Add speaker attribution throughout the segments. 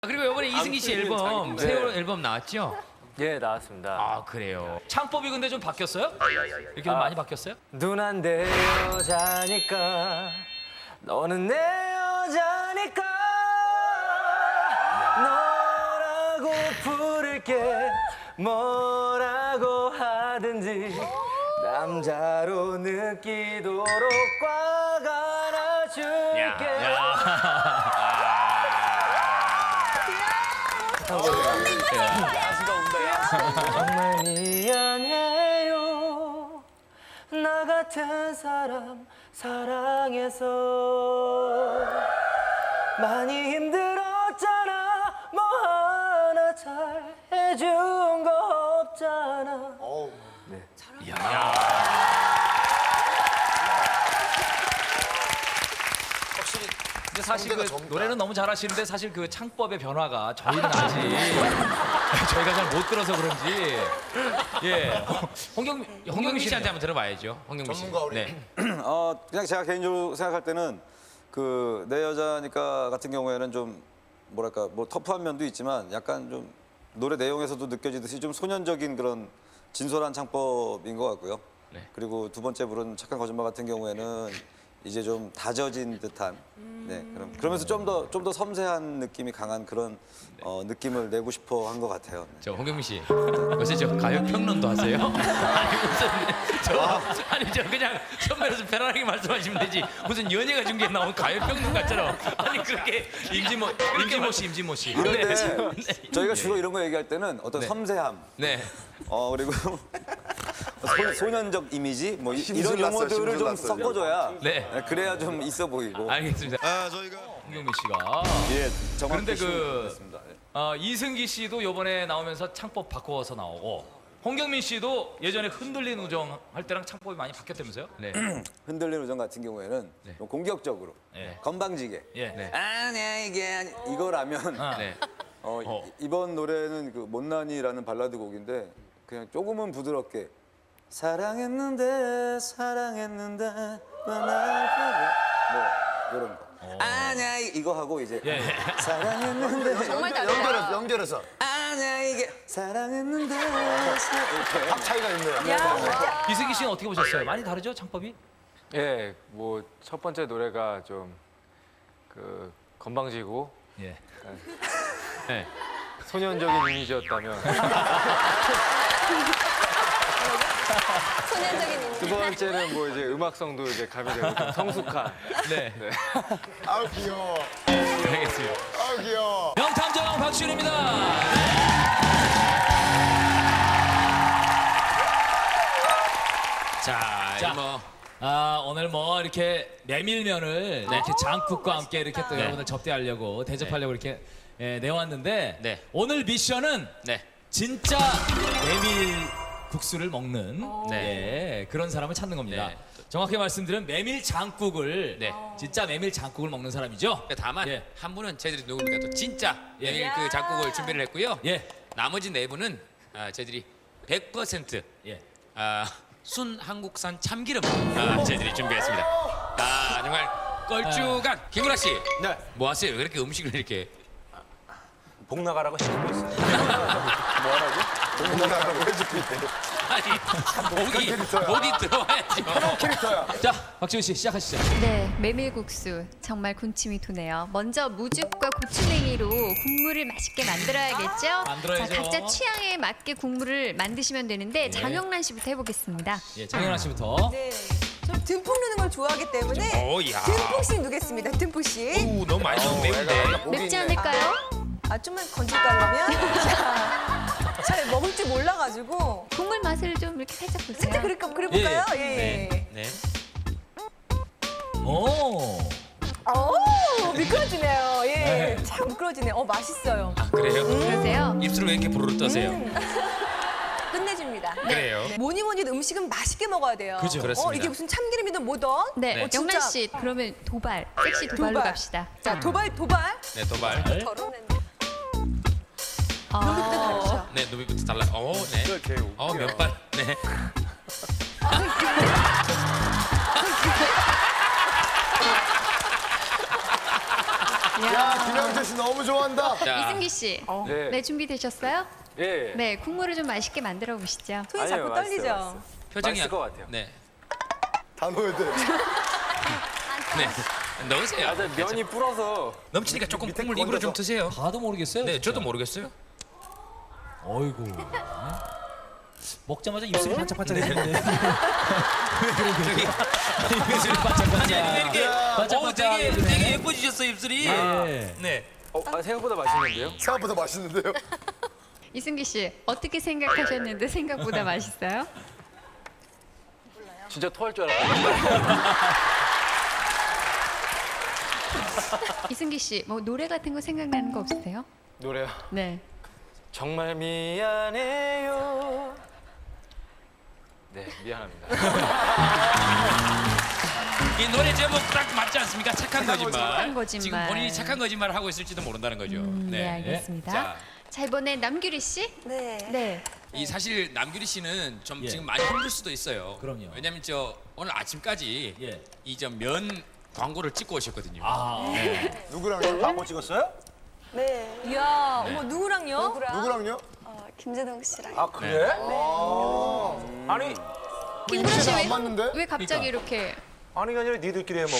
Speaker 1: 그리고 이번에 이승기 씨 앨범 새 앨범 나왔죠?
Speaker 2: 예, 나왔습니다.
Speaker 1: 아 그래요. 창법이 근데 좀 바뀌었어요? 이렇게 좀 많이 바뀌었어요?
Speaker 2: 누난 내 여자니까 너는 내 여자니까 너라고 부를게 뭐라고 하든지 남자로 느끼도록 꽉 안아줄게. 정말 미안해요 나 같은 사람 사랑해서 많이 힘들었잖아 뭐 하나 잘 해준 거 없잖아.
Speaker 1: 근데 사실 그 노래는 너무 잘하시는데 사실 그 창법의 변화가 저희는 아직 저희가 잘 못 들어서 그런지 홍경민 씨한테 한번 들어봐야죠. 홍경민 씨.
Speaker 3: 전문가 우리.
Speaker 1: 네.
Speaker 4: 그냥 제가 개인적으로 생각할 때는 그 내 여자니까 같은 경우에는 좀 뭐랄까 뭐 터프한 면도 있지만 약간 좀 노래 내용에서도 느껴지듯이 좀 소년적인 그런 진솔한 창법인 것 같고요.
Speaker 1: 네.
Speaker 4: 그리고 두 번째 부른 착한 거짓말 같은 경우에는 이제 좀 다져진 듯한 그러면서 좀 더 섬세한 느낌이 강한 그런 느낌을 내고 싶어 한 것 같아요. 네.
Speaker 1: 저 홍경민 씨, 요새 저 가요 평론도 하세요? 아니 무슨 아니 저 그냥 선배로서 편안하게 말씀하시면 되지 무슨 연예가 중계에 나온 가요 평론 같처럼 아니 그렇게 임진모 씨.
Speaker 4: 이럴 때 저희가 주로 이런 거 얘기할 때는 어떤
Speaker 1: 네.
Speaker 4: 섬세함
Speaker 1: 네.
Speaker 4: 그리고 소년적 이미지 뭐 이런
Speaker 3: 심술 났어요,
Speaker 4: 용어들을
Speaker 3: 심술
Speaker 4: 좀
Speaker 3: 났어요.
Speaker 4: 섞어줘야
Speaker 1: 네.
Speaker 4: 그래야 좀 있어 보이고.
Speaker 1: 알겠습니다.
Speaker 3: 저희가
Speaker 1: 홍경민 씨가
Speaker 4: 예, 정확히
Speaker 1: 그런데 그
Speaker 4: 했습니다. 예.
Speaker 1: 이승기 씨도 이번에 나오면서 창법 바꿔서 나오고 홍경민 씨도 예전에 흔들린 우정 할 때랑 창법이 많이 바뀌었다면서요? 네.
Speaker 4: 흔들리는 우정 같은 경우에는 좀 공격적으로
Speaker 1: 네.
Speaker 4: 건방지게
Speaker 1: 예. 네.
Speaker 4: 아니야 이게 이거라면
Speaker 1: 네.
Speaker 4: 이번 노래는 그 못난이라는 발라드 곡인데 그냥 조금은 부드럽게 사랑했는데 너날 뭐 이런 거 아니야 이거 하고 이제 사랑했는데
Speaker 3: 정말 연결해서
Speaker 4: 아니야 이게 사랑했는데 이렇게
Speaker 3: 확 차이가 있네요.
Speaker 1: 이승기 씨는 어떻게 보셨어요? 많이 다르죠 창법이?
Speaker 2: 예, 뭐 첫 번째 노래가 좀 그 건방지고
Speaker 1: 예. 네.
Speaker 2: 소년적인 이미지였다면
Speaker 5: 소년적인 이미지.
Speaker 2: 두 번째는 뭐 이제 음악성도 이제 가미되고 좀 성숙한.
Speaker 1: 네.
Speaker 3: 아우 귀여워.
Speaker 1: 알겠습니다.
Speaker 3: 아우 귀여워.
Speaker 1: 명탐정 박시윤입니다. 자, 오늘 뭐 이렇게 메밀면을 이렇게 장국과 함께 이렇게 또 여러분들 접대하려고 대접하려고 이렇게 내왔는데 오늘 미션은 진짜 메밀 국수를 먹는 그런 사람을 찾는 겁니다. 정확히 말씀드리면 메밀 장국을 진짜 메밀 장국을 먹는 사람이죠.
Speaker 6: 다만 한 분은 저희들이 누굽니까 또 진짜 메밀 그 작곡을 준비를 했고요. 나머지 네 분은 저희들이 100% 순 한국산 참기름 저희들이 준비했습니다. 정말 껄쭉한 김구라 씨, 뭐 하세요? 왜 이렇게 음식을 이렇게
Speaker 4: 복 나가라고 해주고 있어요.
Speaker 3: 동남아라고 해주고 있대요.
Speaker 6: 아니 목이 들어와야죠.
Speaker 3: 캐릭터야.
Speaker 1: 자, 박지훈 씨 시작하시죠.
Speaker 5: 네, 메밀국수 정말 군침이 도네요. 먼저 무즙과 고추냉이로 국물을 맛있게 만들어야겠죠?
Speaker 1: 만들어야죠.
Speaker 5: 자, 각자 취향에 맞게 국물을 만드시면 되는데 장영란 씨부터 해보겠습니다.
Speaker 1: 예, 장현아 씨부터.
Speaker 7: 네. 저 듬뿍 넣는 걸 좋아하기 때문에
Speaker 6: 야.
Speaker 7: 듬뿍씩 넣겠습니다. 듬뿍씩.
Speaker 6: 오, 너무 많이 넣으면 매운데.
Speaker 5: 맵지 않을까요?
Speaker 7: 좀만 건질까 그러면? 잘 먹을 줄 몰라가지고.
Speaker 5: 국물 맛을 좀 이렇게 살짝 보세요.
Speaker 7: 살짝 그래볼까요? 예.
Speaker 6: 네.
Speaker 1: 오.
Speaker 7: 미끄러지네요. 예. 참 미끄러지네요. 맛있어요.
Speaker 6: 그래요?
Speaker 5: 그러세요?
Speaker 6: 입술을 왜 이렇게 부르르 떠세요?
Speaker 7: 끝내줍니다.
Speaker 6: 그래요.
Speaker 7: 네. 뭐니 해도 음식은 맛있게 먹어야 돼요.
Speaker 1: 그죠.
Speaker 6: 그렇습니다.
Speaker 7: 이게 무슨 참기름이든 뭐든.
Speaker 5: 네,
Speaker 7: 진짜.
Speaker 5: 영란 씨 그러면 도발, 섹시 도발로
Speaker 7: 도발.
Speaker 5: 갑시다.
Speaker 7: 자, 도발.
Speaker 6: 네, 도발.
Speaker 7: 덜어낸다. 여기부터 다르죠.
Speaker 6: 네, 노비부터 달라. 네. 면발. 네.
Speaker 3: 야, 김영철 씨 너무 좋아한다.
Speaker 6: 자,
Speaker 5: 이승기 씨,
Speaker 2: 네.
Speaker 5: 네 준비되셨어요?
Speaker 2: 예.
Speaker 5: 네, 국물을 좀 맛있게 만들어 보시죠.
Speaker 7: 손이
Speaker 2: 아니요,
Speaker 7: 자꾸
Speaker 2: 맛있어요,
Speaker 7: 떨리죠.
Speaker 2: 맛있어요.
Speaker 6: 표정이
Speaker 2: 맛있을 것 같아요.
Speaker 6: 네,
Speaker 3: 다 넣어야 돼.
Speaker 6: 네. 넣으세요.
Speaker 2: 아, 저 면이 불어서
Speaker 6: 넘치니까 조금 국물 입으로 좀 드세요.
Speaker 1: 봐도 모르겠어요.
Speaker 6: 네,
Speaker 1: 진짜.
Speaker 6: 저도 모르겠어요.
Speaker 1: 어이구. 네. 먹자마자 입술이 반짝반짝해지는데.
Speaker 6: 저기
Speaker 1: 입술이 반짝반짝.
Speaker 6: 왜 이렇게
Speaker 1: 반짝반짝.
Speaker 6: 되게 예뻐지셨어요 입술이.
Speaker 1: 예.
Speaker 6: 네.
Speaker 2: 생각보다 맛있는데요?
Speaker 3: 생각보다 맛있는데요?
Speaker 5: 이승기 씨, 어떻게 생각하셨는데 생각보다 맛있어요?
Speaker 2: 진짜 토할 줄 알았어요.
Speaker 5: 이승기 씨, 뭐 노래 같은 거 생각나는 거 없으세요?
Speaker 2: 노래요.
Speaker 5: 네.
Speaker 2: 정말 미안해요. 네, 미안합니다.
Speaker 6: 이 노래 제목 딱 맞지 않습니까? 착한 거짓말.
Speaker 5: 착한 거짓말.
Speaker 6: 지금 본인이 착한 거짓말을 하고 있을지도 모른다는 거죠.
Speaker 5: 네, 알겠습니다.
Speaker 6: 자,
Speaker 5: 자, 이번에 남규리 씨?
Speaker 7: 네.
Speaker 5: 네.
Speaker 6: 이 사실 남규리 씨는 좀
Speaker 1: 예.
Speaker 6: 지금 많이 힘들 수도 있어요.
Speaker 1: 그럼요.
Speaker 6: 왜냐면 저 오늘 아침까지
Speaker 1: 예.
Speaker 6: 이 저 면 광고를 찍고 오셨거든요.
Speaker 1: 아,
Speaker 3: 누구랑요? 광고 찍었어요?
Speaker 8: 네.
Speaker 7: 이야, 어머 누구랑요?
Speaker 3: 누구랑요?
Speaker 8: 김재동 씨랑.
Speaker 3: 아, 그래? 아니,
Speaker 5: 김구라 씨
Speaker 3: 안
Speaker 5: 왜,
Speaker 3: 맞는데?
Speaker 5: 왜 갑자기 이렇게
Speaker 3: 아니, 아니라 니들끼리 해 먹어.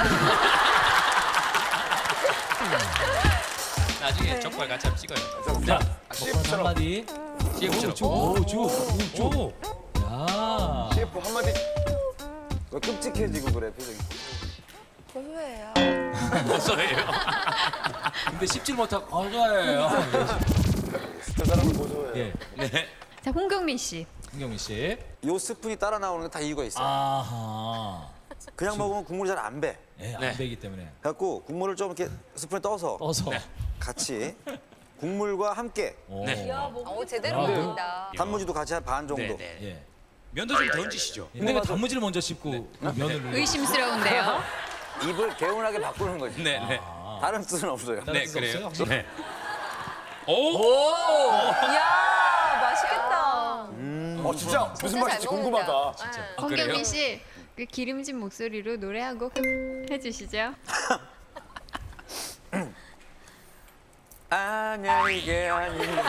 Speaker 6: 나중에 족발 같이 한번 찍어요.
Speaker 1: 자,
Speaker 3: CF처럼.
Speaker 1: 먹방 한마디.
Speaker 6: CF처럼.
Speaker 1: 오, 쭉. 야.
Speaker 3: CF 한마디.
Speaker 4: 왜 끔찍해지고 그래 표정이.
Speaker 8: 고소해요.
Speaker 6: 고소해요.
Speaker 1: 근데 씹질 못하고 어가예요.
Speaker 3: 저 사람을 보조해.
Speaker 1: 예.
Speaker 6: 네.
Speaker 5: 자, 홍경민 씨.
Speaker 1: 김경민 씨.
Speaker 4: 요 스푼이 따라 나오는 게 다 이유가 있어요.
Speaker 1: 아하.
Speaker 4: 그냥 먹으면 국물이 잘 안 배.
Speaker 1: 예, 안
Speaker 6: 네.
Speaker 1: 되기 때문에
Speaker 4: 그래갖고 국물을 좀 이렇게 스푼에 떠서
Speaker 1: 떠서.
Speaker 4: 같이 국물과 함께
Speaker 1: 오.
Speaker 6: 네.
Speaker 7: 제대로
Speaker 1: 아,
Speaker 7: 먹는다.
Speaker 4: 단무지도 같이 한 반 정도.
Speaker 6: 네, 네.
Speaker 1: 예.
Speaker 6: 면도 좀 더 얹으시죠.
Speaker 1: 근데 왜 단무지를 먼저 씹고 그 면을 넣는
Speaker 5: 의심스러운데요.
Speaker 4: 입을 개운하게 바꾸는 거지.
Speaker 6: 네, 네.
Speaker 4: 다른 뜻은 없어요.
Speaker 1: 다른
Speaker 6: 네,
Speaker 1: 뜻
Speaker 6: 그래요.
Speaker 1: 없어요?
Speaker 6: 네. 오!
Speaker 7: 이야, 맛있겠다.
Speaker 3: 진짜 무슨 맛일지 궁금하다.
Speaker 5: 홍경민 씨, 그 기름진 목소리로 노래 한 곡 해주시죠.
Speaker 4: 아니야 이게 아닌데.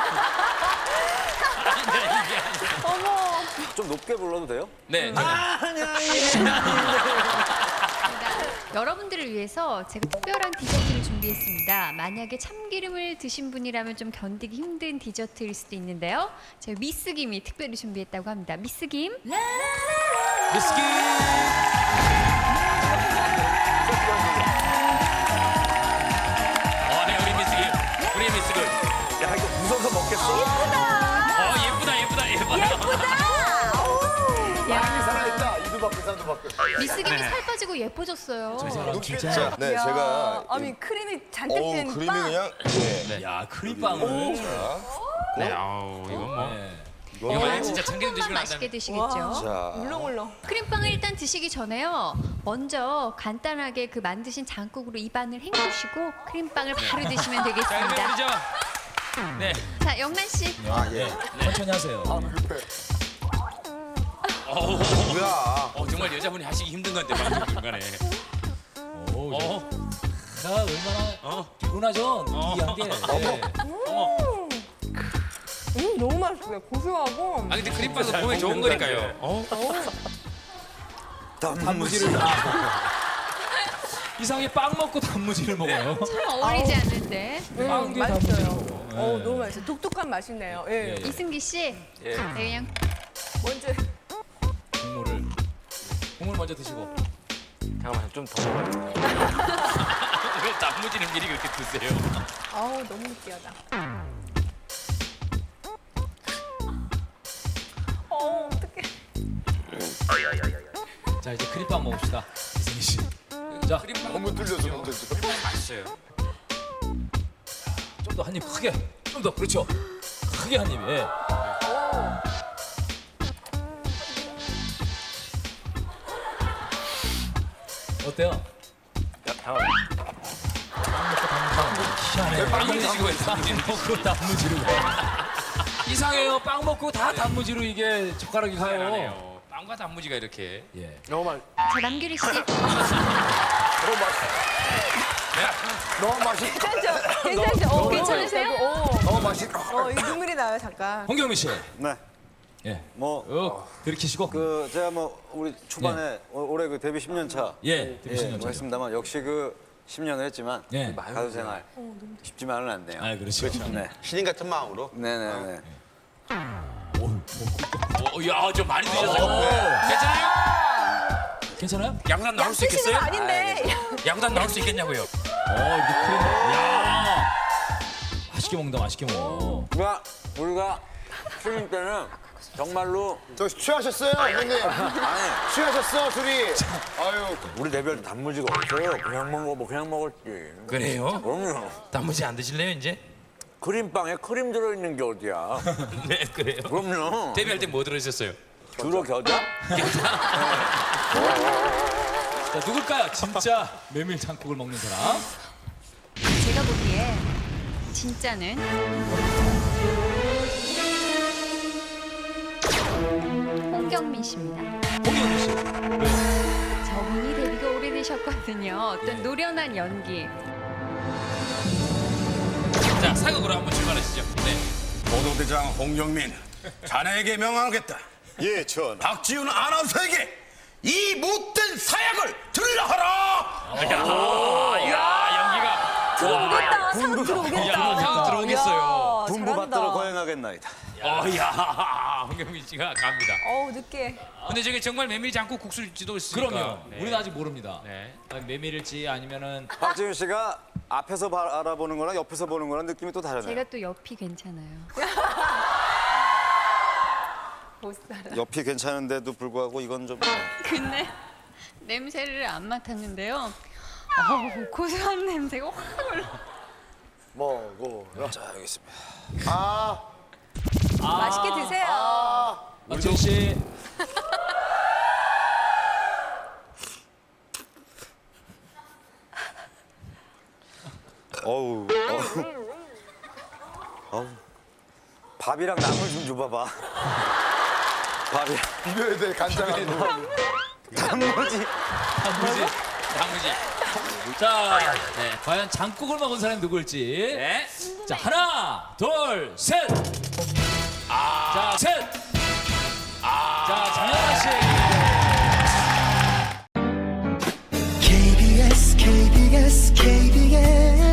Speaker 4: 좀 높게 불러도 돼요?
Speaker 6: 네. 네.
Speaker 5: 여러분들을 위해서 제가 특별한 디저트를 준비했습니다. 만약에 참기름을 드신 분이라면 좀 견디기 힘든 디저트일 수도 있는데요. 저희 미스김이 특별히 준비했다고 합니다. 미스김.
Speaker 1: 미스키.
Speaker 6: 네, 우리 미스기. 우리 미스기.
Speaker 3: 야, 이거 무서워서 먹겠어?
Speaker 6: 예쁘다.
Speaker 3: 많이 살아있다. 이도 바꾸, 산도 바꾸.
Speaker 5: 미스김이 살 빠지고 예뻐졌어요.
Speaker 1: 사람 진짜.
Speaker 3: 네,
Speaker 7: 이야,
Speaker 3: 제가.
Speaker 7: 아니 크림이 잔뜩
Speaker 3: 어우,
Speaker 7: 든
Speaker 3: 그림이
Speaker 7: 빵.
Speaker 3: 그냥. 네.
Speaker 1: 야, 크림빵을.
Speaker 6: 네, 아우, 이건 뭐.
Speaker 1: 네.
Speaker 6: 이거 만약 진짜 참기름 드시고 난
Speaker 5: 맛있게
Speaker 6: 다음에
Speaker 5: 드시겠죠.
Speaker 3: 자.
Speaker 7: 물렁물렁.
Speaker 5: 크림빵을 일단 드시기 전에요. 먼저 간단하게 그 만드신 장국으로 입안을 헹구시고 크림빵을 바로 드시면
Speaker 6: 자, 그러면
Speaker 5: 되겠습니다.
Speaker 6: 우리 네.
Speaker 5: 자, 영란 씨.
Speaker 3: 아, 예.
Speaker 1: 천천히 하세요.
Speaker 3: 급해.
Speaker 6: 어우,
Speaker 3: 뭐야.
Speaker 6: 정말 여자분이 하시기 힘든 건데 방송 중간에.
Speaker 1: 오,
Speaker 6: 어,
Speaker 1: 자, 얼마나
Speaker 6: 어,
Speaker 1: 피곤하죠? 느끼한 게. 네.
Speaker 6: 어머.
Speaker 7: 너무 맛있어요. 고소하고.
Speaker 6: 아 근데 크림빵은 몸에 좋은 거니까요. 어?
Speaker 1: 단무지를. 이상하게 빵 먹고 단무지를 먹어요.
Speaker 5: 참 어울리지 않는데.
Speaker 1: 빵 뒤에
Speaker 7: 맛있어요.
Speaker 1: 단무지를 먹어. 네.
Speaker 7: 너무 맛있어요. 독특한 맛이네요. 예.
Speaker 1: 예.
Speaker 5: 이승기 씨.
Speaker 2: 예.
Speaker 5: 네, 그냥
Speaker 7: 먼저.
Speaker 1: 국물 먼저 드시고.
Speaker 2: 잠깐만, 좀 더 먹어야 돼.
Speaker 6: 왜 단무지는 미리 그렇게 드세요?
Speaker 7: 아우 너무 느끼하다. 어떡해.
Speaker 1: 자, 이제 크림빵 먹읍시다. 이승기 씨. 자,
Speaker 6: 크림빵
Speaker 3: 너무 뚫려서 문제죠.
Speaker 6: 맛있어요.
Speaker 1: 좀 더 한 입 크게. 좀 더. 그렇죠. 크게 한 입. 예. 어때요?
Speaker 2: 야, 잠깐만.
Speaker 1: 희한해.
Speaker 6: 빵을 드시고 왜
Speaker 1: 빵
Speaker 6: 단무지를
Speaker 1: 먹고 단무지를. 이상해요. 빵 먹고 다 단무지로 이게 젓가락이 가요.
Speaker 6: 희한하네요. 빵과 단무지가 이렇게.
Speaker 1: 예.
Speaker 2: 너무 맛.
Speaker 5: 자, 남규리 씨.
Speaker 3: 너무 맛있어. 너무 맛있.
Speaker 7: 괜찮죠?
Speaker 5: 괜찮으세요?
Speaker 3: 너무 맛있.
Speaker 7: 이 눈물이 나요, 잠깐.
Speaker 1: 홍경민 씨.
Speaker 4: 네.
Speaker 1: 예.
Speaker 4: 뭐
Speaker 1: 들이키시고.
Speaker 4: 그 제가 뭐 우리 초반에 올해 그 데뷔 10년 차
Speaker 1: 예. 데뷔 10년
Speaker 4: 뭐
Speaker 1: 차.
Speaker 4: 했습니다만 역시 그 10년을 했지만
Speaker 1: 예.
Speaker 4: 가수 생활 쉽지만은 않네요.
Speaker 1: 아, 그렇죠.
Speaker 4: 네.
Speaker 3: 신인 같은 마음으로.
Speaker 4: 네네네.
Speaker 6: 야, 좀 많이 드셨어요. 괜찮아요?
Speaker 1: 괜찮아요?
Speaker 6: 야구단 나올 수
Speaker 7: 쓰시는 거
Speaker 6: 있겠어요?
Speaker 7: 아닌데.
Speaker 6: 야구단 나올 수 있겠냐고요?
Speaker 1: 이렇게 크림. 야. 맛있게 먹는다. 맛있게 먹어.
Speaker 4: 우리가 신인 때는 정말로
Speaker 3: 저 취하셨어요, 형님?
Speaker 4: 아니
Speaker 3: 취하셨어, 둘이. 아유.
Speaker 4: 우리 데뷔할 때 단무지가 없어요. 그냥 먹었지.
Speaker 6: 그래요?
Speaker 4: 그럼요.
Speaker 6: 단무지 안 드실래요, 이제?
Speaker 4: 크림빵에 크림 들어있는 게 어디야?
Speaker 6: 네, 그래요.
Speaker 4: 그럼요.
Speaker 6: 데뷔할 때 뭐 들으셨어요?
Speaker 4: 주로 겨자?
Speaker 1: 자, 누굴까요? 진짜 메밀 장국을 먹는 사람.
Speaker 5: 제가 보기에 진짜는 홍경민 씨입니다.
Speaker 1: 홍경민 씨.
Speaker 5: 저분이 데뷔가 오래되셨거든요. 어떤 노련한 연기.
Speaker 6: 자, 사극으로 한번 출발하시죠. 네.
Speaker 9: 보도대장 홍경민, 자네에게 명하겠다.
Speaker 3: 예, 전하.
Speaker 9: 박지훈 아나운서에게 이 못된 사약을 들으라 하라.
Speaker 6: 연기가.
Speaker 7: 들어오겠다. 상 들어오겠다.
Speaker 6: 상 들어오겠어요.
Speaker 7: 이야,
Speaker 4: 분부
Speaker 7: 잘한다.
Speaker 4: 받들어 거행하겠나이다.
Speaker 6: 야, 홍경민 씨가 갑니다.
Speaker 7: 늦게.
Speaker 6: 근데 저게 정말 메밀 장국 국수일지도 있으니까.
Speaker 1: 그럼요.
Speaker 6: 네.
Speaker 1: 우리는 아직 모릅니다.
Speaker 6: 네.
Speaker 1: 메밀일지 아니면은
Speaker 4: 박지훈 씨가 앞에서 알아보는 거랑 옆에서 보는 거랑 느낌이 또 다르네요.
Speaker 5: 제가 또 옆이 괜찮아요.
Speaker 4: 옆이 괜찮은데도 불구하고 이건 좀
Speaker 5: 근데 냄새를 안 맡았는데요. 고소한 냄새가 확 올라.
Speaker 3: 먹어.
Speaker 4: 자, 여기 있습니다.
Speaker 7: 맛있게 드세요.
Speaker 1: 박지훈 씨.
Speaker 4: 어우. 밥이랑 나물 좀 줘봐봐. 밥이랑
Speaker 3: 비벼야 돼, 간장한 거.
Speaker 4: 단무지.
Speaker 6: 단무지.
Speaker 1: 자, 네, 과연 장국을 먹은 사람이 누굴지.
Speaker 6: 네.
Speaker 1: 자, 하나, 둘, 셋. 자, 셋. 자, 장현아 씨.
Speaker 10: KBS KBS KBS